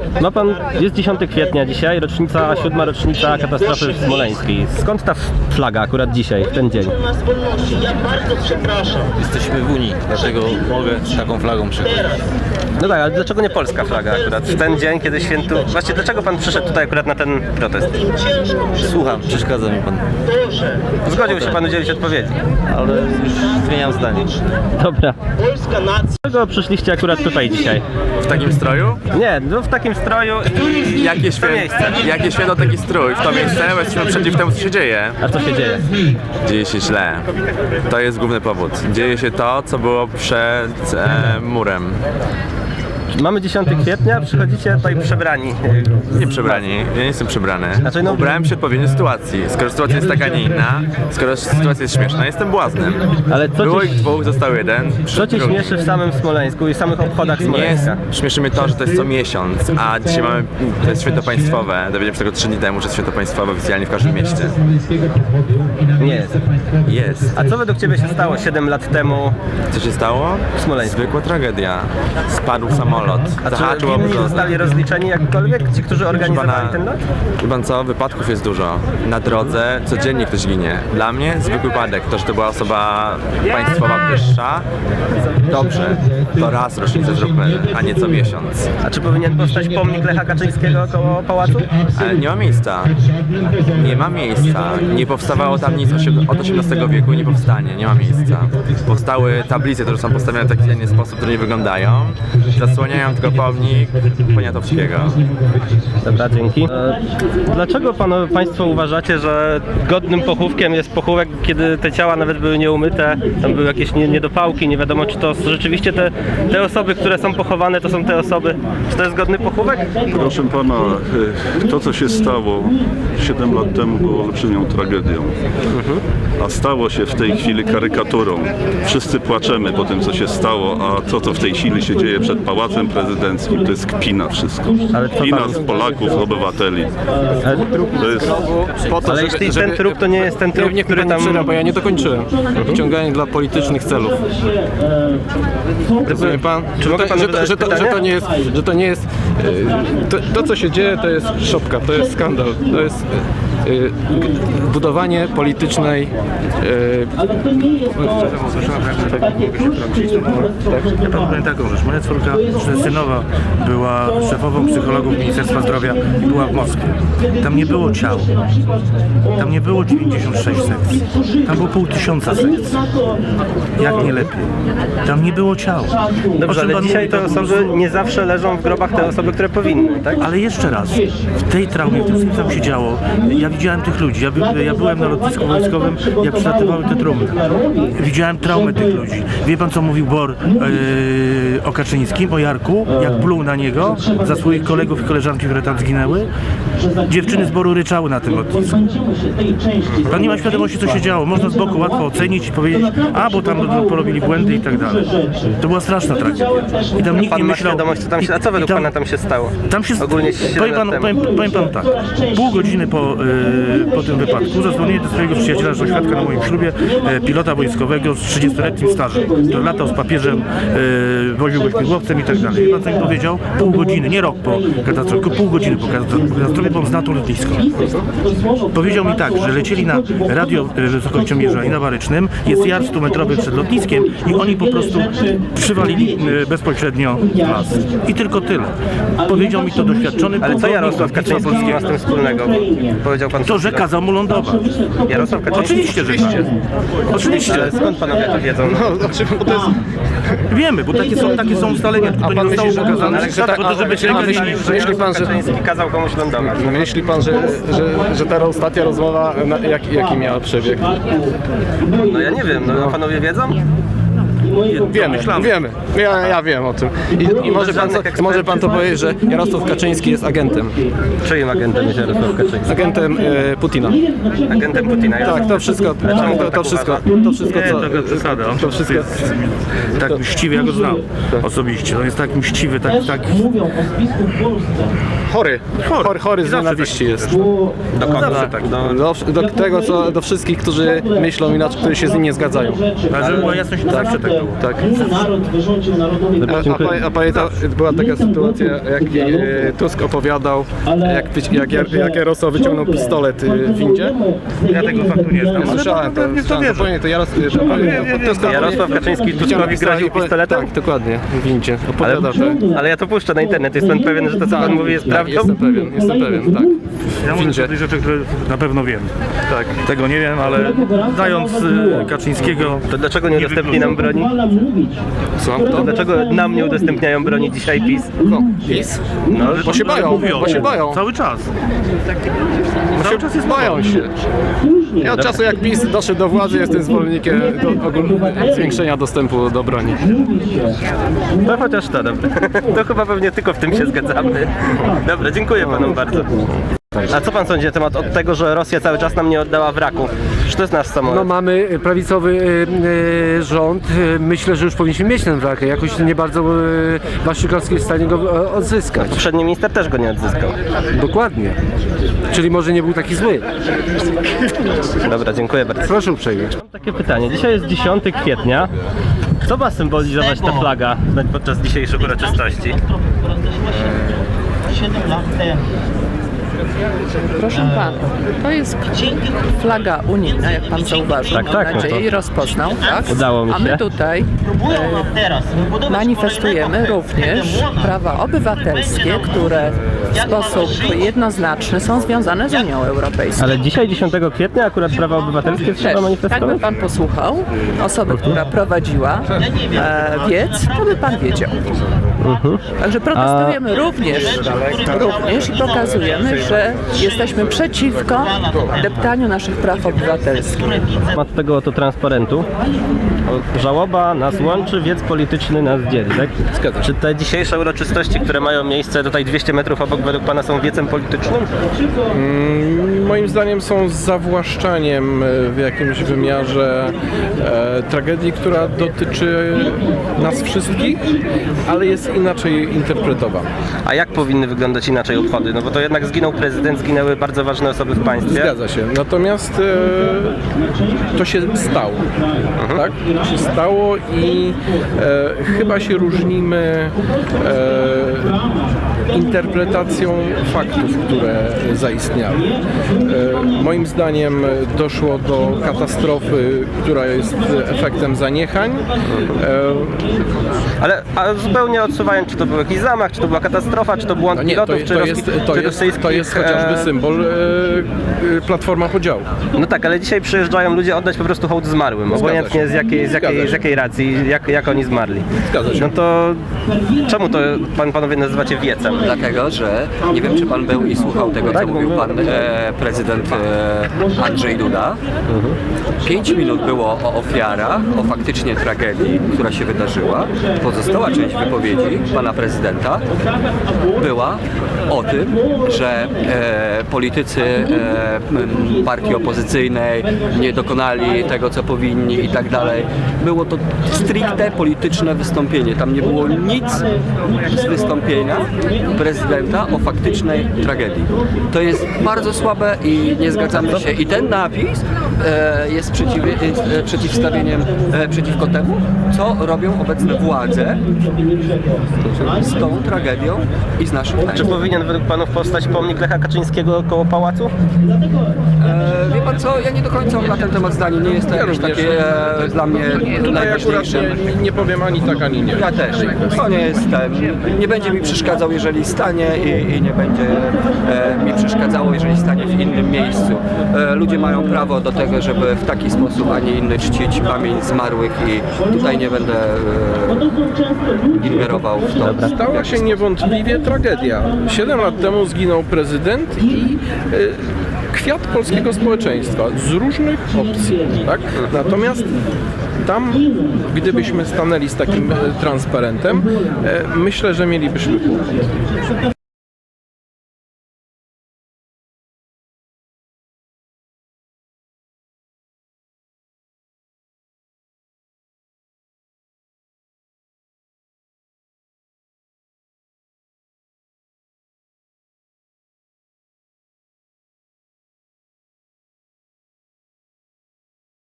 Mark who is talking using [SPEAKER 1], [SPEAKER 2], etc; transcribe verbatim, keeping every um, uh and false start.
[SPEAKER 1] Ma pan, jest dziesiątego kwietnia dzisiaj, rocznica, siódma rocznica katastrofy smoleńskiej. Skąd ta flaga akurat dzisiaj, w ten dzień?
[SPEAKER 2] Ja bardzo przepraszam.
[SPEAKER 3] Jesteśmy w Unii, dlatego mogę z taką flagą przychodzić.
[SPEAKER 1] No tak, ale dlaczego nie polska flaga akurat w ten dzień, kiedy świętu... Właśnie dlaczego pan przyszedł tutaj akurat na ten protest?
[SPEAKER 3] Słucham, przeszkadza mi pan.
[SPEAKER 1] Zgodził się pan udzielić odpowiedzi.
[SPEAKER 3] Ale już zmieniam zdanie.
[SPEAKER 1] Dobra.
[SPEAKER 2] Polska nacja.
[SPEAKER 1] Dlaczego przyszliście akurat tutaj dzisiaj?
[SPEAKER 4] W takim stroju?
[SPEAKER 1] Nie, no w takim stroju i
[SPEAKER 4] Jakie,
[SPEAKER 1] w to miejsce.
[SPEAKER 4] święto, jakie święto taki strój? W to miejsce, bo jesteśmy przeciw temu, co się dzieje.
[SPEAKER 1] A co się dzieje?
[SPEAKER 4] Dzieje się źle. To jest główny powód. Dzieje się to, co było przed e, murem.
[SPEAKER 1] Mamy dziesiątego kwietnia, przychodzicie tutaj przebrani.
[SPEAKER 4] Nie przebrani, ja nie jestem przebrany.
[SPEAKER 1] Znaczy, no-
[SPEAKER 4] Ubrałem się odpowiednio sytuacji. Skoro sytuacja jest taka, nie inna, skoro sytuacja jest śmieszna, jestem błaznem.
[SPEAKER 1] Ale co
[SPEAKER 4] Było
[SPEAKER 1] ci,
[SPEAKER 4] ich dwóch, został jeden.
[SPEAKER 1] co cię
[SPEAKER 4] drugi.
[SPEAKER 1] śmieszy w samym Smoleńsku i w samych obchodach
[SPEAKER 4] Nie jest,
[SPEAKER 1] Smoleńska?
[SPEAKER 4] śmieszy mnie to, że to jest co miesiąc, a dzisiaj mamy, to jest święto państwowe. Dowiedziałem się tego trzy dni temu, że jest święto państwowe oficjalnie w każdym mieście.
[SPEAKER 1] Nie jest.
[SPEAKER 4] Jest.
[SPEAKER 1] A co według ciebie się stało siedem lat temu?
[SPEAKER 4] Co się stało?
[SPEAKER 1] W Smoleńsku.
[SPEAKER 4] Zwykła tragedia. Spadł samolot.
[SPEAKER 1] A czy
[SPEAKER 4] Zahaczył
[SPEAKER 1] winni
[SPEAKER 4] obrót.
[SPEAKER 1] zostali rozliczeni jakkolwiek? Ci, którzy organizowali ten lot?
[SPEAKER 4] Wie pan co? Wypadków jest dużo. Na drodze codziennie ktoś ginie. Dla mnie zwykły wypadek. To, że to była osoba państwowa wyższa. Dobrze. To raz rocznicę zróbmy, a nie co miesiąc.
[SPEAKER 1] A czy powinien powstać pomnik Lecha Kaczyńskiego koło pałacu?
[SPEAKER 4] Ale nie ma miejsca. Nie ma miejsca. Nie powstawało tam nic od osiemnastego wieku i nie powstanie. Nie ma miejsca. Powstały tablice, które są postawione w taki inny sposób, które nie wyglądają. Zasłaniają tylko pomnik Poniatowskiego.
[SPEAKER 1] Dobra, dzięki. E, dlaczego panu, państwo uważacie, że godnym pochówkiem jest pochówek, kiedy te ciała nawet były nieumyte, tam były jakieś nie, niedopałki, nie wiadomo czy to rzeczywiście te, te osoby, które są pochowane, to są te osoby, czy to jest godny pochówek?
[SPEAKER 5] Proszę pana, to co się stało siedem lat temu było olbrzymią tragedią, a stało się w tej chwili karykaturą. Wszyscy płaczemy po tym co się stało, a to co w tej chwili się dzieje przed Pałacem Prezydenckim to jest kpina wszystko.
[SPEAKER 1] Ale co
[SPEAKER 5] Kpina
[SPEAKER 1] pan-
[SPEAKER 5] z Polaków, obywateli. To jest...
[SPEAKER 6] Po to,
[SPEAKER 1] Ale
[SPEAKER 6] żeby,
[SPEAKER 1] jeśli
[SPEAKER 6] żeby,
[SPEAKER 1] ten trup to nie jest ten trup,
[SPEAKER 6] nie,
[SPEAKER 1] który
[SPEAKER 6] pan
[SPEAKER 1] tam...
[SPEAKER 6] przyra, bo ja nie dokończyłem. Wyciąganie dla politycznych celów. Rozumie pan?
[SPEAKER 1] Czy
[SPEAKER 6] Że
[SPEAKER 1] mogę
[SPEAKER 6] to,
[SPEAKER 1] panu
[SPEAKER 6] że, to,
[SPEAKER 1] zadać
[SPEAKER 6] że, to, że
[SPEAKER 1] pytanie?
[SPEAKER 6] to nie jest, że to nie jest e, to, to co się dzieje to jest szopka, to jest skandal, to jest e, e, budowanie politycznej e,
[SPEAKER 7] Ja panu powiem taką rzecz. Moja córka synowa była szefową psychologów Ministerstwa Zdrowia i była w Moskwie. Tam nie było ciał. Tam nie było dziewięćdziesiąt sześć sekcji. Tam było pół tysiąca sekcji. Jak nie lepiej. Tam nie było ciał. O
[SPEAKER 1] Dobrze,
[SPEAKER 7] czym
[SPEAKER 1] ale
[SPEAKER 7] pan
[SPEAKER 1] dzisiaj
[SPEAKER 7] mówi,
[SPEAKER 1] te
[SPEAKER 7] to po
[SPEAKER 1] osoby
[SPEAKER 7] prostu-
[SPEAKER 1] nie zawsze leżą w grobach te osoby, które powinny, tak?
[SPEAKER 7] Ale jeszcze raz, w tej traumie, w tym co tam się działo, ja widziałem tych ludzi, ja, by, ja byłem na lotnisku wojskowym, jak przylatywały te trumny. Widziałem traumę tych ludzi. Wie pan co mówił Bor yy, o Kaczyńskim, o Jarku, jak pluł na niego za swoich kolegów i koleżanki, które tam zginęły? Dziewczyny z Boru ryczały na tym lotnisku. Pan nie ma świadomości co się działo, można z boku łatwo ocenić i powiedzieć, a bo tam porobili błędy i tak dalej. To była straszna tragedia. I tam nikt
[SPEAKER 1] Pan
[SPEAKER 7] nie
[SPEAKER 1] ma
[SPEAKER 7] myślał...
[SPEAKER 1] świadomość, co tam się... A co
[SPEAKER 7] i
[SPEAKER 1] według
[SPEAKER 7] tam-
[SPEAKER 1] pana tam się stało?
[SPEAKER 7] Tam się
[SPEAKER 1] Ogólnie siedem
[SPEAKER 7] powiem
[SPEAKER 1] lat
[SPEAKER 7] panu,
[SPEAKER 1] temu.
[SPEAKER 7] powiem, powiem panu tak. Pół godziny po, yy, po tym wypadku zadzwoniłem do swojego przyjaciela, że świadka na moim ślubie, yy, pilota wojskowego z trzydziestoletnim stażem, który latał z papieżem, yy, woził go śmigłowcem i tak dalej. I pan co mi powiedział? Pół godziny, nie rok po katastrofie, tylko pół godziny po katastrofie, bo on zna to lotnisko. Powiedział mi tak, że lecieli na radio yy, wysokościomierza i na Barycznym, jest jar stumetrowy przed lotniskiem i oni po prostu przywalili yy, bezpośrednio w las. I tylko tyle. Powiedział mi to doświadczony
[SPEAKER 1] Ale co
[SPEAKER 7] pułkownik
[SPEAKER 1] Jarosław
[SPEAKER 7] lotnictwa
[SPEAKER 1] Kaczyński ma z tym wspólnego? Powiedział pan...
[SPEAKER 7] To, że kazał mu lądować.
[SPEAKER 1] Jarosław Kaczyński?
[SPEAKER 7] Oczywiście, że tak. Oczywiście.
[SPEAKER 1] Ale skąd panowie to wiedzą?
[SPEAKER 6] no, znaczy, bo to jest,
[SPEAKER 7] Wiemy, bo takie są, takie są ustalenia, tylko to nie
[SPEAKER 6] pan
[SPEAKER 7] zostało
[SPEAKER 6] myśli, że-
[SPEAKER 7] pokazane,
[SPEAKER 6] ale że tak-
[SPEAKER 7] po to, żeby się
[SPEAKER 6] a
[SPEAKER 7] nie
[SPEAKER 6] myśli-
[SPEAKER 7] myśli.
[SPEAKER 6] że myśli pan, że
[SPEAKER 1] Kaczyński kazał komuś lądować.
[SPEAKER 6] myśli pan, że, że, że ta ostatnia rozmowa na, jak, jaki miała przebieg?
[SPEAKER 1] No ja nie wiem, no panowie wiedzą?
[SPEAKER 6] Wiemy, wiemy. Ja, ja wiem o tym. I, i może, pan, to- może pan to powiedzieć, że Jarosław Kaczyński jest agentem.
[SPEAKER 1] Czyim agentem jest Jarosław Kaczyński?
[SPEAKER 6] Agentem e, Putina.
[SPEAKER 1] Agentem Putina.
[SPEAKER 6] Tak, to wszystko,
[SPEAKER 1] Ale czemu
[SPEAKER 6] to,
[SPEAKER 1] pan
[SPEAKER 6] to,
[SPEAKER 1] tak
[SPEAKER 6] wszystko,
[SPEAKER 1] uważa?
[SPEAKER 6] to wszystko,
[SPEAKER 7] Nie,
[SPEAKER 6] co...
[SPEAKER 7] to przesada. On
[SPEAKER 6] To wszystko...
[SPEAKER 7] jest tak mściwy, ja go znam osobiście. On jest tak mściwy, tak, tak...
[SPEAKER 6] Chory, chory, chory z
[SPEAKER 7] Zawsze
[SPEAKER 6] nienawiści jest.
[SPEAKER 1] Do kogo?
[SPEAKER 7] Zawsze tak.
[SPEAKER 1] Do...
[SPEAKER 6] Do, do tego, co, do wszystkich, którzy myślą inaczej, którzy się z nim nie zgadzają.
[SPEAKER 7] Ale żeby była jasność, zawsze tak było.
[SPEAKER 1] Paweł.
[SPEAKER 6] Tak.
[SPEAKER 2] Naród wyrządził narodowi
[SPEAKER 6] A, a,
[SPEAKER 1] Dziękuję.
[SPEAKER 6] pa- a pamięta, była taka sytuacja, jak e, Tusk opowiadał, jak, wyci- jak, jak, jak Jarosław wyciągnął pistolet e, w windzie.
[SPEAKER 7] Ja tego faktu nie znam, ale
[SPEAKER 6] Słyszałem to,
[SPEAKER 7] pewnie w to
[SPEAKER 6] słyszałem,
[SPEAKER 7] wierzę.
[SPEAKER 6] to, pamiętam, to Jaros- to, pamiętam, to, Tusk
[SPEAKER 1] Jarosław Kaczyński
[SPEAKER 6] wyciągnął
[SPEAKER 1] Tuskowi
[SPEAKER 6] pistolet
[SPEAKER 1] groził
[SPEAKER 6] i powie-
[SPEAKER 1] pistoletem?
[SPEAKER 6] Tak, dokładnie, w windzie.
[SPEAKER 1] Ale,
[SPEAKER 6] Opowiadał, że...
[SPEAKER 1] ale ja to puszczę na internet, jest pan pewien, że to co pan mówi jest
[SPEAKER 6] Tak,
[SPEAKER 1] prawdą?
[SPEAKER 6] jestem pewien, jestem pewien, tak.
[SPEAKER 7] Ja mówię
[SPEAKER 6] Windzie.
[SPEAKER 7] o tych rzeczy, które na pewno wiem.
[SPEAKER 6] Tak.
[SPEAKER 7] Tego nie wiem, ale znając y, Kaczyńskiego...
[SPEAKER 1] To dlaczego nie udostępni nam broni?
[SPEAKER 6] Słucham
[SPEAKER 1] To
[SPEAKER 6] to?
[SPEAKER 1] dlaczego nam nie udostępniają broni dzisiaj PiS?
[SPEAKER 6] No, PiS?
[SPEAKER 1] No,
[SPEAKER 6] Bo się
[SPEAKER 7] Ale
[SPEAKER 6] boją,
[SPEAKER 7] mówią,
[SPEAKER 6] bo się boją.
[SPEAKER 7] Cały czas.
[SPEAKER 6] Cały czas jest boją się. Ja od czasu jak PiS doszedł do władzy, jestem zwolennikiem do, ogólnego zwiększenia dostępu do broni.
[SPEAKER 1] no chociaż to, dobra. To chyba pewnie tylko w tym się zgadzamy. Dobra, dziękuję panom bardzo. A co pan sądzi na temat od tego, że Rosja cały czas nam nie oddała wraku? Czy to jest nasz samolot?
[SPEAKER 8] No mamy prawicowy y, y, rząd. Y, myślę, że już powinniśmy mieć ten wrak. Jakoś nie bardzo y, Waszczykowski jest w stanie go y, odzyskać.
[SPEAKER 1] Poprzedni minister też go nie odzyskał.
[SPEAKER 8] Dokładnie. Czyli może nie był taki zły.
[SPEAKER 1] Dobra, dziękuję bardzo.
[SPEAKER 8] Proszę uprzejmie.
[SPEAKER 1] Mam takie pytanie. Dzisiaj jest dziesiątego kwietnia. Co ma symbolizować ta flaga podczas dzisiejszych uroczystości?
[SPEAKER 2] siedem lat temu.
[SPEAKER 9] Proszę pana, to jest flaga unijna, jak pan zauważył,
[SPEAKER 1] Tak,
[SPEAKER 9] mam
[SPEAKER 1] tak, no
[SPEAKER 9] nadzieję,
[SPEAKER 1] to
[SPEAKER 9] i rozpoznał, tak?
[SPEAKER 1] udało mi
[SPEAKER 9] A my
[SPEAKER 1] się.
[SPEAKER 9] tutaj
[SPEAKER 2] Próbują nam teraz wybudować
[SPEAKER 9] manifestujemy
[SPEAKER 2] kolejnego
[SPEAKER 9] również
[SPEAKER 2] hegemona.
[SPEAKER 9] prawa obywatelskie, które w sposób jednoznaczny są związane z Unią Europejską.
[SPEAKER 1] Ale dzisiaj, dziesiątego kwietnia, akurat prawa obywatelskie trzeba
[SPEAKER 9] Też, jakby
[SPEAKER 1] manifestować?
[SPEAKER 9] pan posłuchał osoby, która prowadziła e, wiec, to by pan wiedział.
[SPEAKER 1] Mhm.
[SPEAKER 9] Także protestujemy również, również i pokazujemy, że jesteśmy przeciwko deptaniu naszych praw obywatelskich.
[SPEAKER 1] Temat tego oto transparentu. O, żałoba nas łączy, wiec polityczny nas dzieli, tak?
[SPEAKER 6] Zgadza się.
[SPEAKER 1] Czy te dzisiejsze uroczystości, które mają miejsce tutaj dwieście metrów obok, według pana są wiecem politycznym?
[SPEAKER 6] Mm, moim zdaniem są zawłaszczaniem e, w jakimś wymiarze e, tragedii, która dotyczy nas wszystkich, ale jest inaczej interpretowana.
[SPEAKER 1] A jak powinny wyglądać inaczej obchody? No bo to jednak zginął prezydent, zginęły bardzo ważne osoby w państwie.
[SPEAKER 6] Zgadza się. Natomiast e, to się stało. Tak? To się stało i e, chyba się różnimy e, interpretacją faktów, które zaistniały. E, moim zdaniem doszło do katastrofy, która jest efektem zaniechań. E,
[SPEAKER 1] Ale a zupełnie odsuwając, czy to był jakiś zamach, czy to była katastrofa, czy to błąd
[SPEAKER 6] no nie,
[SPEAKER 1] pilotów,
[SPEAKER 6] to,
[SPEAKER 1] czy,
[SPEAKER 6] to,
[SPEAKER 1] rosyj-
[SPEAKER 6] jest, to,
[SPEAKER 1] czy
[SPEAKER 6] jest, to
[SPEAKER 1] rosyjskich,
[SPEAKER 6] jest chociażby
[SPEAKER 1] e,
[SPEAKER 6] symbol e, e, Platforma Podziału.
[SPEAKER 1] No tak, ale dzisiaj przyjeżdżają ludzie oddać po prostu hołd zmarłym,
[SPEAKER 6] Zgadza
[SPEAKER 1] obojętnie
[SPEAKER 6] się.
[SPEAKER 1] z jakiej, z
[SPEAKER 6] Zgadza
[SPEAKER 1] jakiej, z
[SPEAKER 6] się.
[SPEAKER 1] jakiej racji, jak, jak oni zmarli.
[SPEAKER 6] Zgadza się.
[SPEAKER 1] No to czemu to pan, panowie nazywacie wiecem?
[SPEAKER 10] Dlatego, że nie wiem, czy pan był i słuchał tego, co mówił pan e, prezydent e, Andrzej Duda. Pięć minut było o ofiarach, o faktycznie tragedii, która się wydarzyła. Pozostała część wypowiedzi pana prezydenta była o tym, że e, politycy e, m, partii opozycyjnej nie dokonali tego, co powinni i tak dalej. Było to stricte polityczne wystąpienie. Tam nie było nic z wystąpienia prezydenta o faktycznej tragedii. To jest bardzo słabe i nie zgadzamy się. I ten napis e, jest, przeciw, jest e, przeciwstawieniem e, przeciwko temu, co robią obecne władze z tą tragedią i z naszym
[SPEAKER 1] Czy
[SPEAKER 10] państwem.
[SPEAKER 1] powinien według panów powstać pomnik Lecha Kaczyńskiego koło pałacu?
[SPEAKER 10] E, wie pan co, ja nie do końca mam na ten temat zdanie, nie jest to jakieś
[SPEAKER 6] również.
[SPEAKER 10] takie e, dla mnie
[SPEAKER 6] Tutaj akurat
[SPEAKER 10] najważniejsze.
[SPEAKER 6] nie, nie powiem ani tak, ani nie.
[SPEAKER 10] Ja też. To nie jest ten, nie będzie mi przeszkadzał, jeżeli stanie i, i nie będzie e, mi przeszkadzało, jeżeli stanie w innym miejscu. E, ludzie mają prawo do tego, żeby w taki sposób, a nie inny czcić pamięć zmarłych i tutaj nie będę e, ingerował w to.
[SPEAKER 6] Stała się niewątpliwie tragedia. Siedem lat temu zginął prezydent i e, kwiat polskiego społeczeństwa z różnych opcji. Tak? Natomiast tam, gdybyśmy stanęli z takim e, transparentem, e, myślę, że mielibyśmy kłopot.